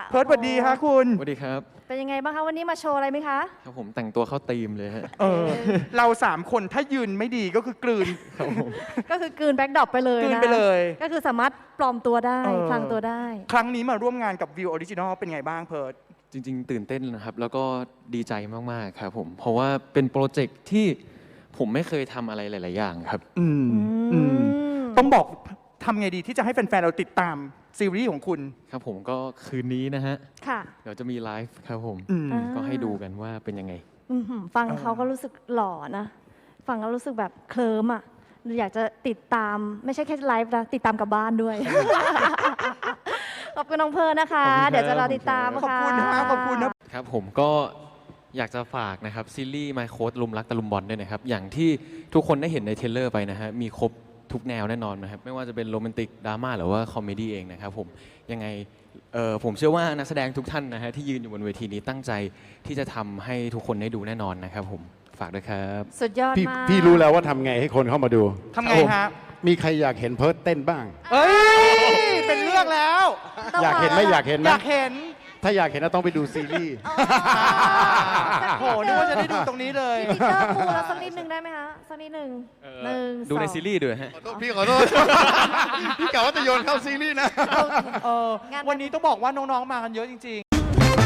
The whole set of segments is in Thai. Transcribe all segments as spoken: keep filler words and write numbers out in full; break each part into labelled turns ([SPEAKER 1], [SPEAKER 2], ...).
[SPEAKER 1] เพิร์ทสวัสดีฮะคุณ
[SPEAKER 2] สวัสดีครับ
[SPEAKER 3] เป็นยังไงบ้างคะวันนี้มาโชว์อะไรไหมคะ
[SPEAKER 2] ครับผมแต่งตัวเข้าธีมเลยฮะ
[SPEAKER 1] เออเราสามคนถ้ายืนไม่ดีก็คือกลืน
[SPEAKER 3] ก็คือกลืนแบ็คดรอปไปเลยนะ
[SPEAKER 1] กลืนไปเลย
[SPEAKER 3] ก็คือสามารถปลอมตัวได้พลางตัวได้
[SPEAKER 1] ครั้งนี้มาร่วมงานกับวิวออริจินอลเป็นไงบ้างเพิร์ท
[SPEAKER 2] จริงๆตื่นเต้นนะครับแล้วก็ดีใจมากๆครับผมเพราะว่าเป็นโปรเจกต์ที่ผมไม่เคยทำอะไรหลายๆอย่างครับ
[SPEAKER 1] อืมอืมต้องบอกทำไงดีที่จะให้แฟนๆเราติดตามซีรีส์ของคุณ
[SPEAKER 2] ครับผมก็คืนนี้นะฮะ
[SPEAKER 3] ค่ะ
[SPEAKER 2] เดี๋ยวจะมีไลฟ์ครับผมก็ให้ดูกันว่าเป็นยังไง
[SPEAKER 3] ฟังเขาก็รู้สึกหล่อนะฟังแล้วรู้สึกแบบเคลิ้มอ่ะอยากจะติดตามไม่ใช่แค่ไลฟ์นะติดตามกับบ้านด้วยขอบคุณน้องเพิร์ทนะคะเดี๋ยวจะรอติดตาม
[SPEAKER 1] ขอบคุณนะขอบคุณ
[SPEAKER 2] นะครับผมก็อยากจะฝากนะครับซีรีส์ My Coach ลุมรักตะลุมบอลด้วยนะครับอย่างที่ทุกคนได้เห็นในเทรลเลอร์ไปนะฮะมีครบทุกแนวแน่นอนนะครับไม่ว่าจะเป็นโรแมนติกดราม่าหรือว่าคอมเมดี้เองนะครับผมยังไงผมเชื่อว่านักแสดงทุกท่านนะฮะที่ยืนอยู่บนเวทีนี้ตั้งใจที่จะทำให้ทุกคนได้ดูแน่นอนนะครับผมฝากด้วยครับ
[SPEAKER 3] สุดยอดมาก
[SPEAKER 4] พี่รู้แล้วว่าทำไงให้คนเข้ามาดู
[SPEAKER 1] ทำไงฮะ
[SPEAKER 4] มีใครอยากเห็นเพิร์ทเต้นบ้าง
[SPEAKER 1] เอ้ยเป็นเรื่องแล้ว
[SPEAKER 4] อยากเห็นไหมอยากเห็นไหม
[SPEAKER 1] อยากเห็น
[SPEAKER 4] ถ้าอยากเห็นต้องไปดูซีรีส์
[SPEAKER 1] โหนึกว่าจะได้ดูตรงนี้เลย
[SPEAKER 3] พี่เจอปูแล้วสักนิดนึงได้ไหมคะสักนิดนึงหนึ่ง
[SPEAKER 2] ดูในซีรีส์ด้วยฮะ
[SPEAKER 4] พี่ขอโทษพี่กะว่าจะโยนเข้าซีรีส์นะ
[SPEAKER 1] วันนี้ต้องบอกว่าน้องๆมากันเยอะจริงๆ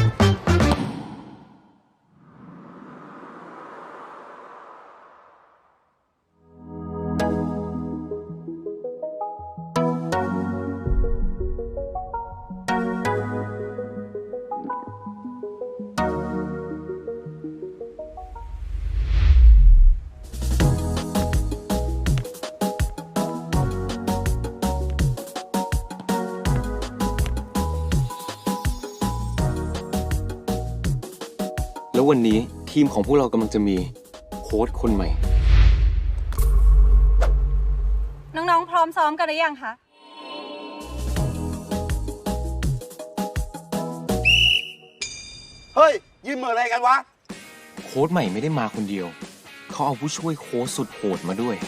[SPEAKER 2] แล้ววันนี้ทีมของพวกเรากำลังจะมีโค้ชคนใหม่
[SPEAKER 5] น้องๆพร้อมซ้อมกันหรือยังคะ
[SPEAKER 6] เฮ้ยยืนเหมืออะไรกันวะ
[SPEAKER 2] โค้ชใหม่ไม่ได้มาคนเดียวเขาเอาผู้ช่วยโค้ชสุดโหดมาด้วย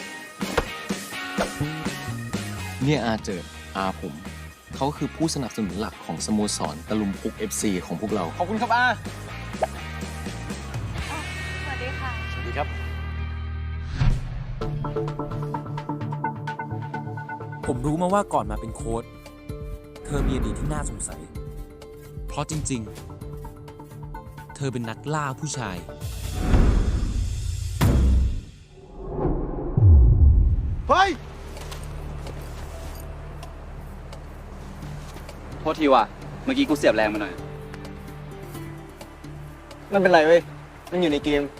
[SPEAKER 2] เนี่ยอาเจิดอาผมเขาคือผู้สนับสนุนหลักของสโมสรตะลุมพุก เอฟ ซี ของพวกเรา
[SPEAKER 6] ขอบคุณครับอา
[SPEAKER 5] สวัสดีค่ะ
[SPEAKER 6] สวัสดีครับ
[SPEAKER 7] ผมรู้มาว่าก่อนมาเป็นโค้ชเธอมีอดีตที่น่าสงสัยเพราะจริงๆเธอเป็นนักล่าผู้ชาย
[SPEAKER 6] เฮ้ย
[SPEAKER 8] โทษทีว่ะเมื่อกี้กูเสียบแรงมาหน่อย
[SPEAKER 6] มันเป็นไรเว้ยมันอยู่ในเกม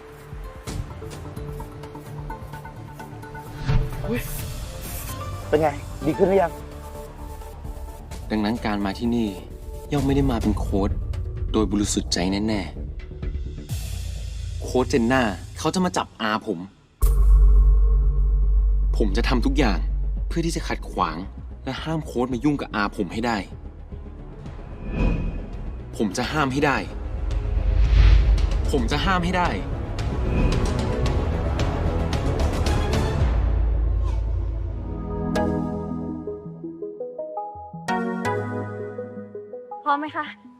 [SPEAKER 6] เป็นไงดีขึ้นหรือยัง
[SPEAKER 2] ดังนั้นการมาที่นี่ย่อมไม่ได้มาเป็นโค้ชโดยบริสุทธิ์ใจแน่ๆโค้ชเจนน่าเขาจะมาจับอาผมผมจะทำทุกอย่างเพื่อที่จะขัดขวางและห้ามโค้ชมายุ่งกับอาผมให้ได้ผมจะห้ามให้ได้ผมจะห้ามให้ได้
[SPEAKER 3] พร้อมไหมคะ